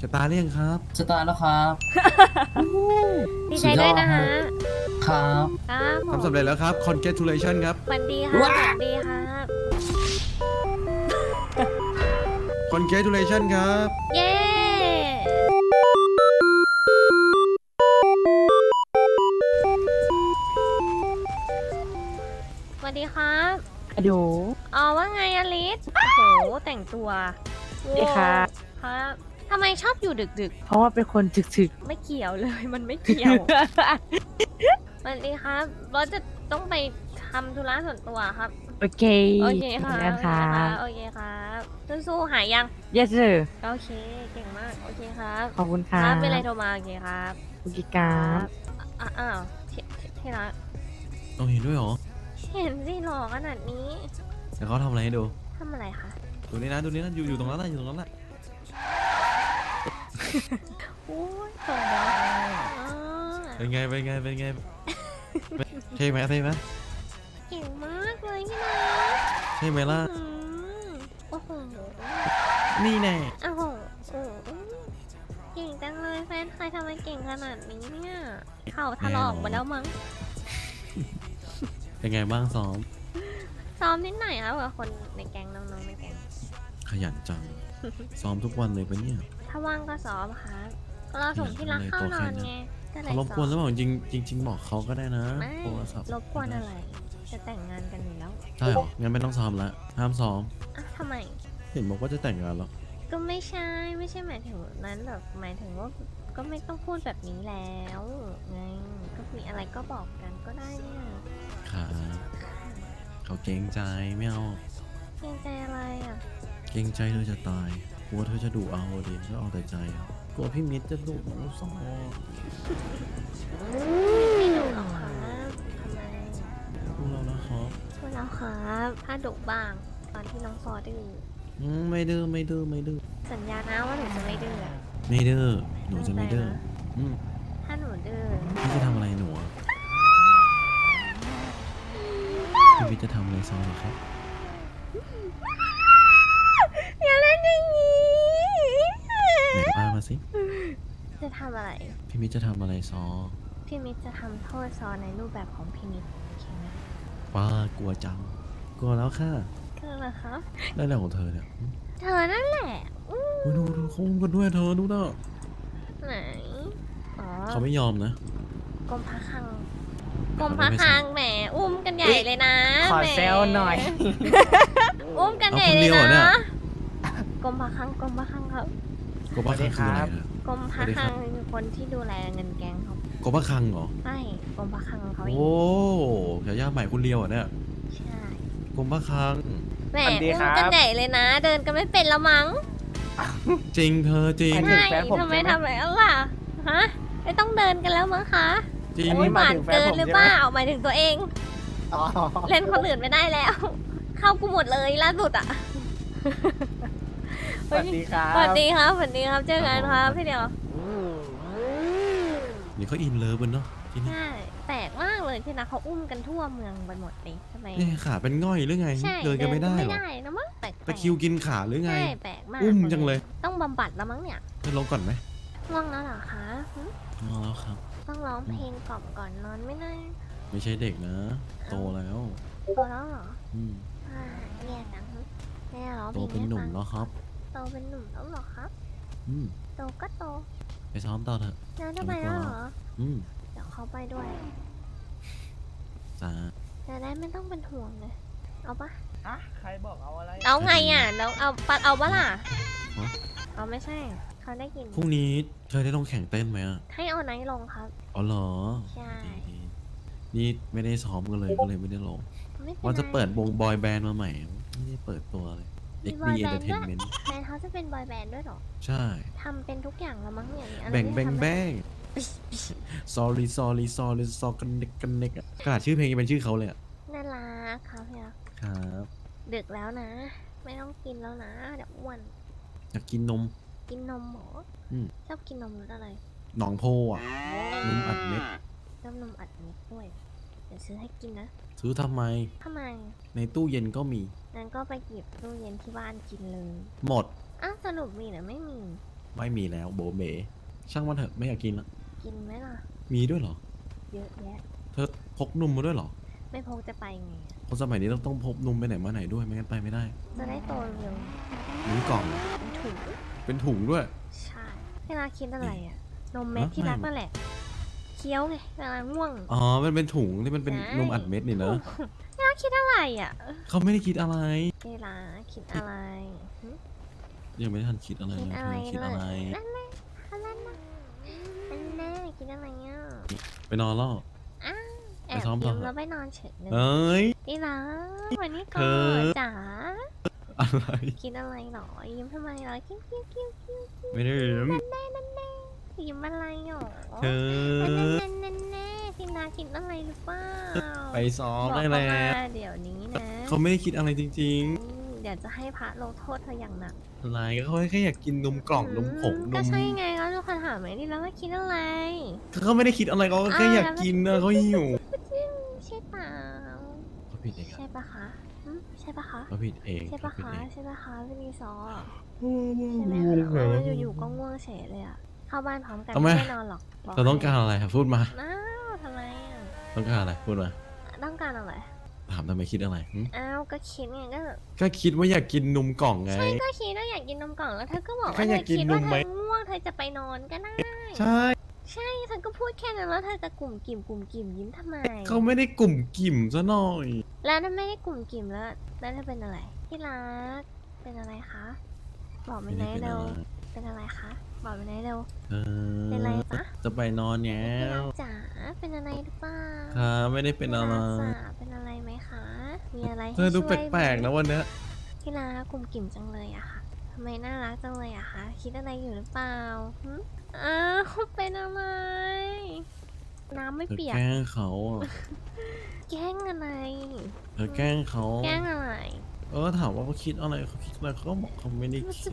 จะตายหรือยังครับจะตายแล้วครับดีใจด้วยนะฮะครับครับผมทำสำเร็จแล้วครับ congratulation ครับสวัสดีครับสวัสดีครับ congratulation ครับเย้สวัสดีครับอะโดอ๋อว่าไงอลิสโอ้โหแต่งตัวสวัสดีครับครับทำไมชอบอยู่ดึกเพราะว่าเป็นคนถึกๆ ไม่เกี่ยวเลย มันไม่เกี่ยว สวัสดีครับบอสจะต้องไปทำธุระส่วนตัวครับๆ โอเคโอเคค่ะเหมือนกันค่ะโอเคครับสู้ๆหายยัง yes sir โอเค เก่งมาก โอเคครับขอบคุณคค่ะรับเป็นไรโทรมาโอเคครับคุณกิกราฟอ้าวที่รักต้องเห็นด้วยเหรอเห็นสิหล่อขนาดนี้เดี๋ยวเขาทำอะไรให้ดูทำอะไรคะดูนี่นะ ดูนี่นะ อยู่ตรงนั้นแหละอยู่ตรงนั้นแหละโอ้ยส่งบอสอ๋อเป็นไง เป็นไง เป็นไงเท่ไหมเท่ไหมเก่งมากเลยนี่นะเท่ไหมล่ะอืมโอ้โหนี่แน่โอ้โหโอ้โหเก่งจังเลยแฟนใครทำไมเก่งขนาดนี้เนี่ยเข่าถลอกหมดแล้วมั้งเป็นไงบ้างซ้อมซ้อมนิดหน่อยครับกับคนในแก๊งน้องๆในแก๊งขยันจัง ซ้อมทุกวันเลยปะเนี่ยถ้าว่างก็ซ้อมครับเราส่งที่รักเข้านอนไงก็เลยเขารบกวนหรือซ้เปอมล่าจริงบอกเขาก็ได้นะไม่โทรศัพท์รบกวนอะไร จะแต่งงานกันอยู่แล้วใช่เหรอ งั้นไม่ต้องซ้อมละห้ามซ้อมอ่ะทำไมเห็นบอกว่าจะแต่งงานแล้วก็ไม่ใช่หมายถึงนั้นแบบหมายถึงว่าก็ไม่ต้องพูดแบบนี้แล้วไงก็มีอะไรก็บอกกันก็ได้เนี่ยค่ะเขาเกรงใจไม่เอาเกรงใจอะไรอ่ะเกรงใจเธอจะตาย กลัวเธอจะดุเอาดิก็เอาแต่ใจอะกลัวพี่มิตรจะดุน้องสองไม่ดุหรอกครับทำไมพูดแล้วนะครับพูดแล้วครับถ้าดุบ้างตอนที่น้องฟอดื้อไม่ดื้อไม่ดื้อไม่ดื้อสัญญานะว่าหนูจะไม่ดื้อไม่ดื้อหนูจะไม่ดื้ออืมถ้าหนูดื้อพี่จะทำอะไรหนูอะพี่มิตรจะทำอะไรซอเหรอครับอย่าเล่นอย่างนี้ไหนว่ามาสิจะทำอะไรพี่มิตรจะทำอะไรซอพี่มิตรจะทำโทษซอในรูปแบบของพี่มิตรโอเคไหมป้ากลัวจัง กลัวแล้วค่ะก็เหรอครับได้แล้วของเธอเนี่ยเธอนั่นแหละอืมอุ๊ยดูเขาอุ้มกันด้วยเธอดูนะไหนอ๋อเขาไม่ยอมนะกรมพระคลังกรมพระคลังแหมอุ้มกันใหญ่เลยนะขอแหมแซวหน่อยอุ้มกันใหญ่เอาคนเลเดียยวเหรอเนี่นะยกรมพระคลังครับกบะคังคืออะไรนะกรมพระคลังคือคนที่ดูแลเงินแกงเขากบะคังเหรอไม่กรมพระคลังเขาเองโอ้ฉายาใหม่คุณเลียวเหรอ่ะเนี่ยใช่กบะคังแหมสวัสดีอุ้ครัมบกันใหญ่เลยนะ เดินกันไม่เป็นแล้วมั้งจริงเธอจริงอันนี้ใช่แฟนผมทำไมใช่ไหมทำอะไรล่ะฮะไม่ต้องเดินกันแล้วมั้งคะจริงอันนี้หวานเกินหรือเปล่าหมายถึงแฟนผมใช่ไหมหมายถึงตัวเองอ๋อเล่นคนอื่นไม่ได้แล้ว เข้ากูหมดเลยล่าสุดอ่ะสวัสดีครับสวัสดีครับสวัสดีครับเจอกันครับพี่เดียวนี่เขาอินเลิฟกันเนาะที่นี่ใช่แปลกมากเลยที่นะเขาอุ้มกันทั่วเมืองไปหมดเลยทำไมนี่ขาเป็นง่อยหรือไงใช่เดินกันไม่ได้ไม่หรอได้นะมั้งแปลกๆตะคริวกินขาหรือไงใช่แปลกมากอุ้มจังเลยต้องบำบัดแล้วมั้งเนี่ยจะลงก่อนไหมง่วงแล้วเหรอคะหึเอาแล้วครับต้องร้องเพลงกล่อมก่อนนอนไม่ได้ไม่ใช่เด็กนะ โตแล้วโตแล้วเหรออืมอ่าแย่จังหึแม่ร้องโตเพลงเป็นหนุ่มให้ฟังแล้วครับโตเป็นหนุ่มแล้วเหรอครับอืมโตก็โตไปซ้อมต่อเถอะแล้วจะไปแล้วเหรออืมเดี๋ยวเขาไปด้วยจ้าจะได้ไม่ต้องเป็นห่วงเลยเอาปะฮะใครบอกเอาอะไรเอาไงอ่ะน้องเอาปัดเอาปะล่ะฮะเอาไม่ใช่ เขาได้กินพรุ่งนี้เธอได้ลงแข่งเต้นไหมอ่ะให้เอาไนท์ลงครับอ๋อเหรอใช่ดีๆนี่ไม่ได้ซ้อมกันเลยก็เลยไม่ได้ลงไม่เป็นไรว่าจะเปิดวงบอยแบนด์มาใหม่ ไม่ได้เปิดตัวเลยมี XD บอยแบนด์ด้วย Entertainment แบนด์เขาจะเป็นบอยแบนด์ด้วยเหรอใช่ทำเป็นทุกอย่างแล้วมั้งเนี่ยมีอะไรแบ่งที่แบ่งทำแบ่ง sorry sorry sorry sorry กันเน็กกันเน็กอะขนาดชื่อเพลงยังเป็นชื่อเขาเลยอะน่ารักครับพี่รักครับดึกแล้วนะ ไม่ต้องกินแล้วนะเดี๋ยวอ้วนอยากกินนมกินนมหมออืมชอบกินนมรสอะไรหนองโพอ่ะนมอัดเม็ดชอบนมอัดเม็ดด้วยเดี๋ยวซื้อให้กินนะซื้อทำไมทำไมในตู้เย็นก็มีงั้นก็ไปหยิบตู้เย็นที่บ้านกินเลยหมดอ้าวสรุปมีหรือไม่มีไม่มีแล้วโบเบช่างมันเถอะไม่อยากกินละกินไหมล่ะมีด้วยเหรอเยอะแยะเธอพกนมมาด้วยเหรอไม่พกจะไปไงอะคนสมัยนี้ต้องพกนมไปไหนมาไหนด้วยไม่งั้นไปไม่ได้จะได้โตเร็วหรือกล่องเป็นถุงเป็นถุงด้วยใช่เวลาคิดอะไรอะนมเม็ดฮะที่รักไม่นั่นแหละ เคี้ยวไงเวลาง่วงอ๋อมันเป็นถุงที่มันเป็นใช่นมอัดเม็ดนี่เนอะเวลาคิดอะไรอะเขาไม่ได้คิดอะไรเวลาคิดอะไรหึยังไม่ทันคิดอะไรคิดเลยอะไรเธอคิดเลอะไรยนั่นแน่นั่นแน่นั่นแน่คิดอะไรอ่ะไปนอนแล้วอ้าวแอไปบซ้อมต่ยิ้อมแล้วไปนอนเฉยเลยเอ้ยนี่นะวันนี้เธก่ออนจ๋าอะไรคิดอะไรหรอยิ้มทำไมหรอคิ้วคิ้วคิ้วคิ้วไม่ได้ลืมนั่นแน่นั่นแน่ยิ้มอะไรหรอเธอนั่นแน่นั่นแน่ที่นาคิดอะไรหรือเปล่าไปซ้อมบอกได้เขาแล้วมาเดี๋ยวนี้นะเขาไม่ได้คิดอะไรจริงเดี๋ยวจะให้พระลงโทษเธออย่างหนักๆอะไรก็เขาแค่อยากกินนมกล่องนมผงนก็มใช่ไงก็ทุกคนถามไหมที่แล้วว่าคิดอะไรเขาไม่ได้คิดอะไรเขาแค่อยากกินนะเขาหิวใช่เปล่าเขาผิดเองอะใช่ปะคะอืมใช่ปะคะเขาผิดเองใช่เขาปะผิดคะเองใช่ปะคะพี่รีซอร์โอ้ใช่ไหมง่วงคะเหรออยู่ๆก็ง่วงเฉยเลยอะเข้าบ้านพร้อมกันทำไมไม่ได้นอนหรอกบเราต้องการอะไรครับพูดมาอ้าวทำไมอะต้องการอะไรพูดมาต้องการอะไรถามทำไมคิดอะไรหึอ้าวก็คิดไงก็ก็คิดว่าอยากกินนมกล่องไงใช่ก็คิดว่าอยากกินนมกล่องแล้วเธอก็บอกแค่ว่าอเธยาอกกินคิดว่านมเธไหมอง่วงเธอจะไปนอนก็ได้ใช่ใช่เธอก็พูดแค่นั้นแล้วเธอจะกลุ่มกิ่มยิ้มทำไมเขาไม่ได้กลุ่มกิ่มซะหน่อยแล้วนั่นไม่ได้กลุ่มกิ่มแล้วเธอเป็นอะไรที่รักเป็นอะไรคะบอกไม่ไม่ได้ได้เป็นเร็อะวไรเป็นอะไรคะบอกไม่ได้เร็วเออเป็นไรจ๊ะจะไปนอนแล้ที่รัวกจ๋าเป็นอะไรหรือเปล่าครับไม่ได้เป็นอะไรที่รักจ๋าเป็นอะไรไหมคะ มีอะไรให้เธอดูช่วยแปลกๆไหมนะวันเนี้ยที่รักกลุ่มกิ่มจังเลยอะค่ะทำไมน่ารักจังเลยอะคะคิดอะไรอยู่หรือเปล่าหึอ้าวเป็นอะไรน้ำไม่เธอเปียแกกล้งเขาอะแกล้งอะไรเธอแกล้งเขาแกล้งอะไรถามว่าเขาคิดอะไรเขาคิดอะไรเขาก็บอกเขาไม่ได้คิด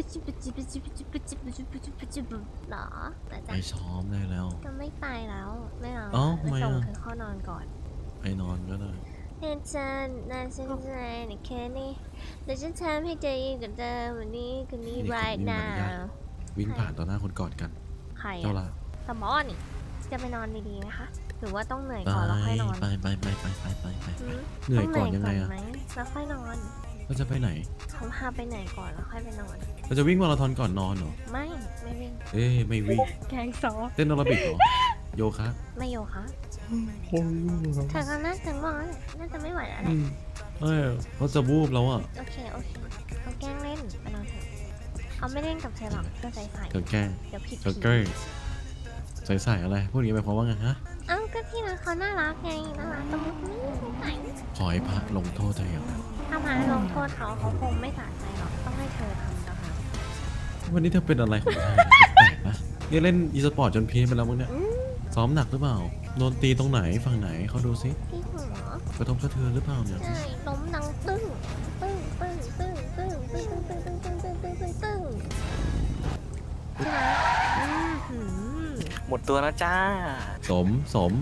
หรอแต่ไปจะซ้อมได้แล้วจะไม่ไปแล้วไม่เอาเอ้าไปทำไมส่งอะเธอเข้านอนก่อนไปนอนก็ได้เฮ้ยฉันน่าสนใจในแค่นี้แต่ฉันทำให้เธอยิ่งกับเธอวันนี้คืนนี้ right now วิ่งผ่านต่อหน้าคนกอดกันใครเจ้าอะละสมอนี่จะไปนอนดีๆไหมคะหรือว่าต้องเหนื่อยไปก่อนแล้วค่อยนอนไปไปไปไปไปไปไปหืมเหนื่อยก่อนต้ยังไงอะไหมแล้วค่อยนอนเราจะไปไหนเขาพาไปไหนก่อนแล้วค่อยไปนอนเราจะวิ่งมาราธอนก่อนนอนเหรอไม่วิ่งเอ้ยไม่วิ่งแกงซอเต้นแอโรบิกเหรอโยคะไม่โยคะเธอก็น่าจะง่วงแล้วแหละน่าจะไม่ไหวแล้วแหอืละมเขาจะวูบแล้วอ่ะโอเคเขาแกล้งเล่นไปนอนเถอะเขาไม่เล่นกับเธอหรอกเธอใส่เธอแกล้งเดี๋ยวผิดเธอแกล้งใส่อะไรพวกนี้ไปเพราะว่าไงฮะเอ้าก็ที่รักเขาน่ารักไงน่ารักตะมุตมิใส่ขอให้พระลงโทษเธออย่างหนักถ้ามาลงโทษเขาคงไม่สะใจหรอกต้องให้เธอทำต่างหากวันนี้เธอเป็นอะไรของเธอแปลกๆนะนี่เล่นอีสปอร์ตจนเพี้ยนไปแล้วมึงเนี่ยอืมซ้อมหนักหรือเปล่าโดนตีตรงไหนฝั่งไหนเขาดูซิที่หัวกระทบกระเทือนหรือเปล่าเนี่ยใช่ล้มดังตึ้งตึ้งตึ้งตึ้งตึ้งตึ้งตึ้งตึ้งตึ้งตึ้งตึ้งตึ้งตึ้งใช่ไหมหืมหมดตัวแล้วจ้าสม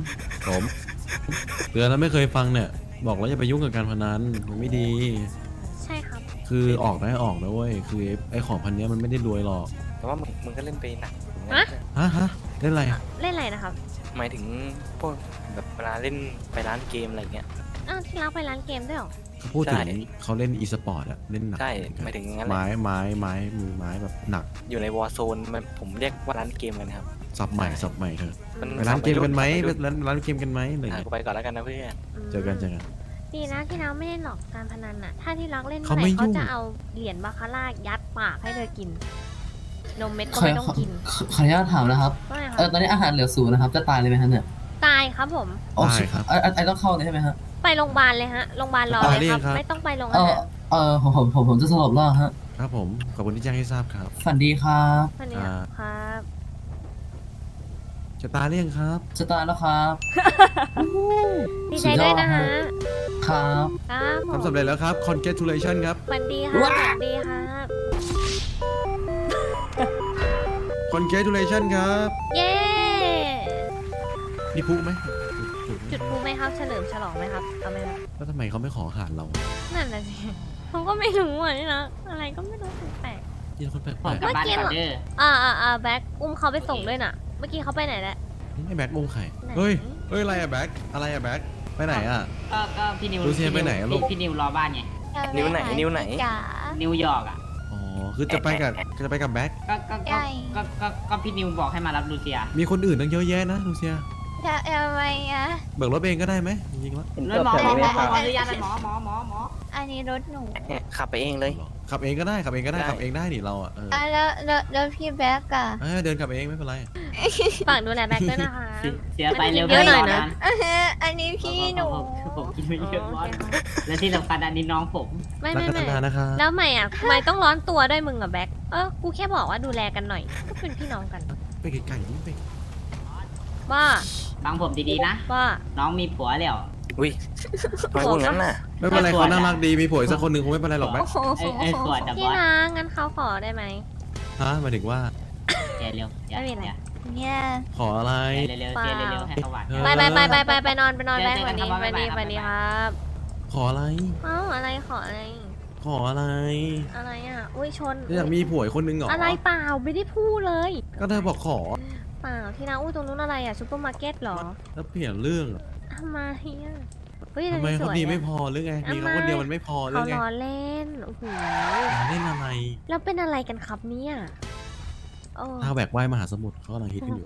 เตือนแล้วไม่เคยฟังเนี่ย บอกแล้วอย่าไปยุ่งกับการพนันมันไม่ดีใช่ครับคือออกได้ออกนะเว้ยคือไอ้ของพันเนี้ยมันไม่ได้รวยหรอกแต่ว่ามึงก็เล่นไปหนักฮะเล่นอะไรอะเล่นอะไรนะครับหมายถึงพวกแบบเวลาเล่นไปร้านเกมอะไรเงี้ยอ้าวที่รักไปร้านเกมด้วยเหรอเขาพูดถึงใช่เขาเล่นอีสปอร์ตอะเล่นหนักใช่เหมือนกันหมายถึงงั้นแหละไม้มือไม้แบบหนักอยู่ในวอร์โซนมันผมเรียกว่าร้านเกมกันครับสับใหม่เธอมันไปร้านเกมกันไหมไปร้านเกมกันไหมอะไรอ่ะเงี้ยกูไปก่อนแล้วกันนะเพื่อนเจอกันดีนะที่รักไม่เล่นหรอกการพนันน่ะ ถ้าที่รักเล่นเขาเมื่อไหไม่ร่เขายุ่งจะเอาเหรียญบาคาร่ายัดปากให้เธอกิน นมเม็ดก็ขอไม่ต้องกินขออนุญาตถามนะครับว่าไงคตรัอนนี้อาหารเหลือศูนย์นะครับ จะตายเลยไหมฮะเนี่ยตายครับผมโอเคไอต้องเข้าเลยใช่ไหมฮะไปโรงพยาบาลเลยฮะ โรงพยาบาลรอเลยครับ ไม่ต้องไปโรงเออาอหารผมจะสลบแล้วฮะครับผมขอบคุณที่แจ้งให้ทราบครับฝันดีครับวันนี้ครับจะตาเลี่ยงครับจะตายแล้วครับดีใจด้วยนะฮะครับครับผมทำสำเร็จแล้วครับ congratulation ครับวันดีครับวันดีครับ congratulation ครับเย้มีพลุไหมจุดพลุไหมครับ เฉลิมฉลองไหมครับ เอาไหมครับแล้วทำไมเขาไม่ขออาหารเรานั่นน่ะสิ ผมก็ไม่รู้อ่ะนี่นะ อะไรก็ไม่รู้แปลกยินคนแปลกผมกลับบ้านก่อนเด้อแบ็คอุ้มเขาไปส่งด้วยน่ะ เมื่อกี้เขาไปไหนแล้วๆไอ้แบ็คอุ้มไข่ไหนเฮ้ยอะไรอะแบ็คอะไรอะแบ็คไปไหนอะก็พี่นิวลูเซียไปไหนอะลูกพี่นิวรอบ้านไงนิ้วไหนนิ้วไหนจ๋านิวยอร์กอ่ะอ๋อคือจะไปกับแบ็คก็พี่นิวบอกให้มารับลูเซียมีคนอื่นตั้งเยอะแยะนะลูเซียทำไมอ่ะเบิกรถเองก็ได้ไหมจริงๆแล้วเลยหมออนุญาตเลยหมออันนี้รถหนูเนี่ยขับไปเองเลยขับเองก็ได้ขับเองก็ได้ได้ขับเองได้นี่เราอ่ะแล้วพี่แบ็คอะเดินขับเองไม่เป็นไรฝากดูแลแบ็คด้วยนะคะเสียไปเร็วเยอะหน่อยนะอันนี้พี่หนูผมกินไม่เยอะบอสและที่สำคัญอันนี้น้องผมไม่รักกันนานๆนะคะแล้วทำไมอ่ะทำไมต้องร้อนตัวด้วยมึงกับแบ็คกูแค่บอกว่าดูแลกันหน่อย ก็เป็นพี่น้องกันไปไกลๆนี่ไปว่าฟังผมดีๆนะว่าน้องมีผัวแล้วอุ้ยทำไมพูดงั้นน่ะไม่เป็นไรเขาน่ารักดีมีผัวอีกสักคนหนึ่งคงไม่เป็นไรหรอกแบ็คไอ้ขวดแต่บพี่อสนะงั้นเขาขอได้ไหมฮะหมายถึงว่าเจเร็วไม่มีอะไร เนี่ยขออะไรเร็วเจเร็วให้เขาหวานไปนอนแบ็คเจอวันกันนี้ครับวันนี้บ๊ายบายวันนี้ครับขออะไรอะไรขออะไรขออะไรอะไรอ่ะ อุ้ยชนอยากมีผัวอีกคนนึงเหรออะไรเปล่าไม่ได้พูดเลยก็เธอบอกขอเปล่าที่นะอุ้ยตรงนู้นอะไรอ่ะซูเปอร์มาร์เก็ตเหรอแล้วเปลี่ยนเรื่องอะทำไมอ่ะเฮ้ยทำไมสเขาวยดีอะไม่พอหรือไงมีเขาคนเดียวมันไม่พอหรือเขาไงล้อเล่นโอ้โหเล่นอะไรแล้วเป็นอะไรกันครับเนี่ยโอ้ท้าวแบกว่ายมหาสมุทรเขากำลังฮิตกันอยู่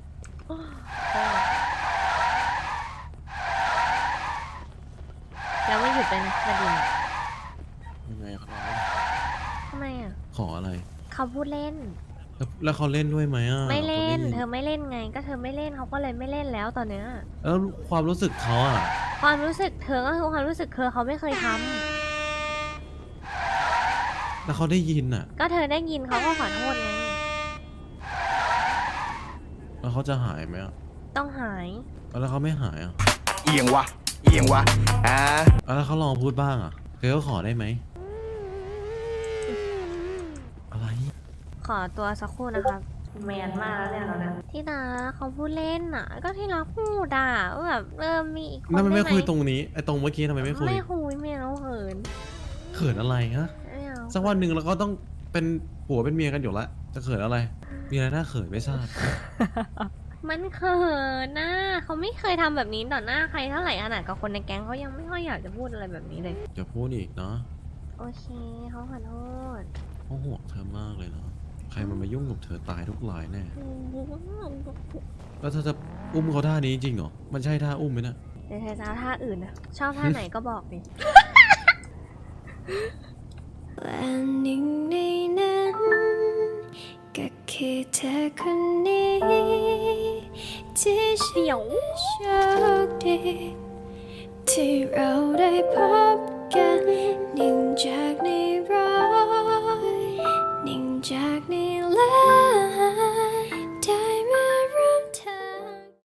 แล้วไม่หยุดเลยนะประเด็นยังไงเขาทำไมอ่ะขออะไรเขาพูดเล่นแล้วเขาเล่นด้วยไหมอ่ะไม่เล่นขาเธอไม่เล่นไง ก็เธอไม่เล่นเขาก็เลยไม่เล่นแล้วตอนเนี้ยแล้วความรู้สึกเขาอ่ะความรู้สึกเธอก็คือความรู้สึกเธอเขาไม่เคยทำแล้วเขาได้ยินอ่ะก็เธอได้ยินเขาก็ขอโทษไงแล้วเขาจะหายไหมอ่ะต้องหายแล้วเขาไม่หายอ่ะเอียงวะแล้วเขาลองพูดบ้างอ่ะเธอก็ขอได้ไหมอะไรขอตัวสักครู่นะครับแมนมากแล้วเนี่ยเราเนี่ยที่นาเขาพูดเล่นอ่ะ ก็ที่รักพูดอ่ะว่าแบบมีอีกคนนั่นมันไม่ด้หคุยตรงนี้ไอ้ตรงเมื่อกี้ทำไมไม่คุยไม่คุยไม่เอาเหินเขินอะไรฮะไม่เอาสักวันหนึ่งเราก็ต้องเป็นผัวเป็นเมียกันอยู่ละจะเขินอะไร มีอะไรน่าเขินไม่ทราบมันเขินนะเขาไม่เคยทำแบบนี้ต่อหน้าใครเท่าไหร่ขนาดกับคนในแก๊งเขายังไม่ค่อยอยากจะพูดอะไรแบบนี้เลยอย่าพูดอีกเนาะโอเคเขาขอโทษเขาห่วงเธอมากเลยเนาะใครมันมายุ่งกับเธอตายทุกรายแน่แล้วเธอจะอุ้มเขาท่านี้จริงเหรอมันใช่ท่าอุ้มไหมเนะเดี๋ยวเธอจะเอาท่าอื่นนะชอบท่าไหนก็บอกดิและหนึ่งในนั้นก็คือเธอคนนี้ที่ฉันโชคดีที่เราได้พบกันหนึ่งจากในร้อยหนึ่งจากในล้าน